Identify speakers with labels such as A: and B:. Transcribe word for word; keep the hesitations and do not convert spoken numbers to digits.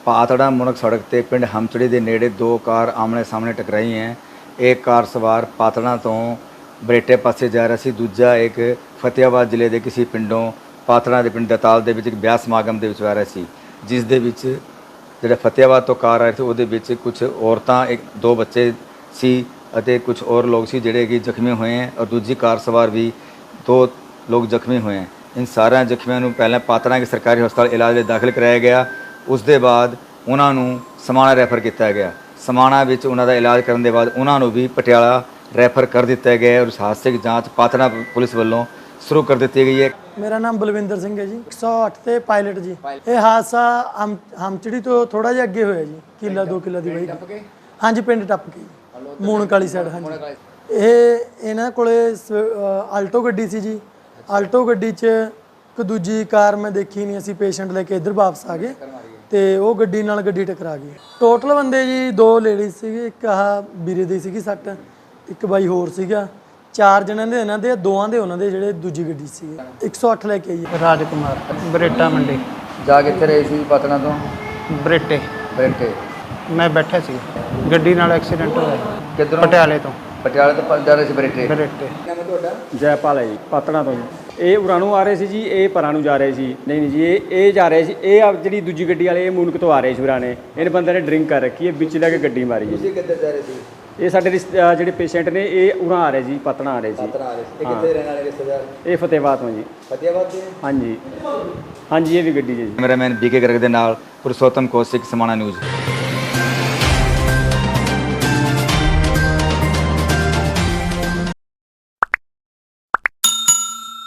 A: पातड़ा मुनक सड़क ते पिंड हमचड़ी के नेड़े दो कार आमने सामने टकराई हैं। एक कार सवार पातड़ा तो बरेटे पासे जा रहा सी, दूजा एक फतेहाबाद जिले के किसी पिंडों पातड़ा के पिंड दताल के एक ब्याह समागम के आ रहा सी, जिस दे विच जिहड़ा फतेहाबाद तो कार आ रही थी उहदे विच कुछ औरतां एक दो बच्चे सी अते कुछ और लोग सी जिहड़े कि जख्मी हुए हैं और दूजी कार सवार भी दो लोग जख्मी हुए हैं। इन सारे जख्मियों को पहले पातड़ा के सरकारी हस्पताल इलाज लिए दाखिल कराया गया। उस दे बाद उन्होंने समाणा रैफर किया गया। समाणा विच उन्हों का इलाज करने के बाद उन्होंने भी पटियाला रैफर कर दिता गया और उस हादसे की जाँच पातड़ा पुलिस वालों शुरू कर दी गई है।
B: मेरा नाम बलविंदर सिंह है जी, एक सौ अठ ते पायलट जी। ये हादसा हम हमचड़ी तो थोड़ा जिहा अगे होया जी, किला दो किला दी वही। हाँ जी, पिंड टप के मूणक वाली साइड। हाँ जी, ये इन्हां कोले आल्टो गड्डी सी जी। आल्टो गड्डी च एक दूजी कार मैं देखी नहीं, असीं पेशेंट लेके इधर वापस आ गए तो वो गड्डी नाल गड्डी टकरा गई। टोटल बंदे जी दो लेडीज सीगे, एक आह बीरे दी सीगी सੱਟ, एक बाई होर सीगा। चार जने दे इन्हां दे, दोवां दे उन्हां दे जिहड़े दूजी गड्डी सीगे। एक सौ अठ लेके आई
C: राजकुमार बरेटा मंडी
A: जा कित्थे रहे सी पातड़ा तो?
C: बरेटे
A: बरेटे
C: मैं बैठा सी, गड्डी नाल एक्सीडेंट होया
A: किधरों?
C: पटियाले तो।
A: पटियाले तो जा रहे सी बरेटे।
C: बरेटे
D: जयपाल है जी, पातड़ा तो जी। ਇਹ ਉਰਾਂ ਨੂੰ ਆ ਰਹੇ ਸੀ ਜੀ, ਇਹ ਪਰਾਂ ਨੂੰ ਜਾ ਰਹੇ ਸੀ। ਨਹੀਂ ਨਹੀਂ ਜੀ, ਇਹ ਇਹ ਜਾ ਰਹੇ ਸੀ। ਇਹ ਆ ਜਿਹੜੀ ਦੂਜੀ ਗੱਡੀ ਵਾਲੇ ਇਹ ਮੂਨਕ ਤੋਂ ਆ ਰਹੇ ਸੀ ਉਰਾਂ ਨੇ। ਇਹਨੇ ਬੰਦੇ ਨੇ ਡਰਿੰਕ ਕਰ ਰੱਖੀ ਹੈ, ਵਿੱਚ ਲੈ ਕੇ ਗੱਡੀ ਮਾਰੀ ਜੀ।
A: ਤੁਸੀਂ ਕਿੱਧਰ ਜਾ ਰਹੇ ਸੀ?
D: ਇਹ ਸਾਡੇ ਰਿਸ਼ਤੇ ਅਹ ਜਿਹੜੇ ਪੇਸ਼ੈਂਟ ਨੇ ਇਹ ਉਰਾਂ ਆ ਰਹੇ ਜੀ, ਪਾਤੜਾ ਆ ਰਹੇ ਸੀ।
A: ਪਾਤੜਾ ਆ ਰਹੇ ਸੀ। ਇਹ ਕਿੱਥੇ ਰਹਿਣ ਵਾਲੇ ਰਿਸ਼ਤੇਦਾਰ?
D: ਇਹ ਫਤਿਹਾਬਾਦ ਤੋਂ ਜੀ।
A: ਫਤਿਹਾਬਾਦ ਦੇ?
D: ਹਾਂਜੀ ਹਾਂਜੀ, ਇਹ ਵੀ ਗੱਡੀ ਜੀ।
A: ਕੈਮਰਾਮੈਨ ਬੀਕੇ ਗਰਗ ਦੇ ਨਾਲ ਪੁਰਸ਼ੋਤਮ ਕੌਸ਼ਿਕ, ਸਮਾਣਾ ਨਿਊਜ਼।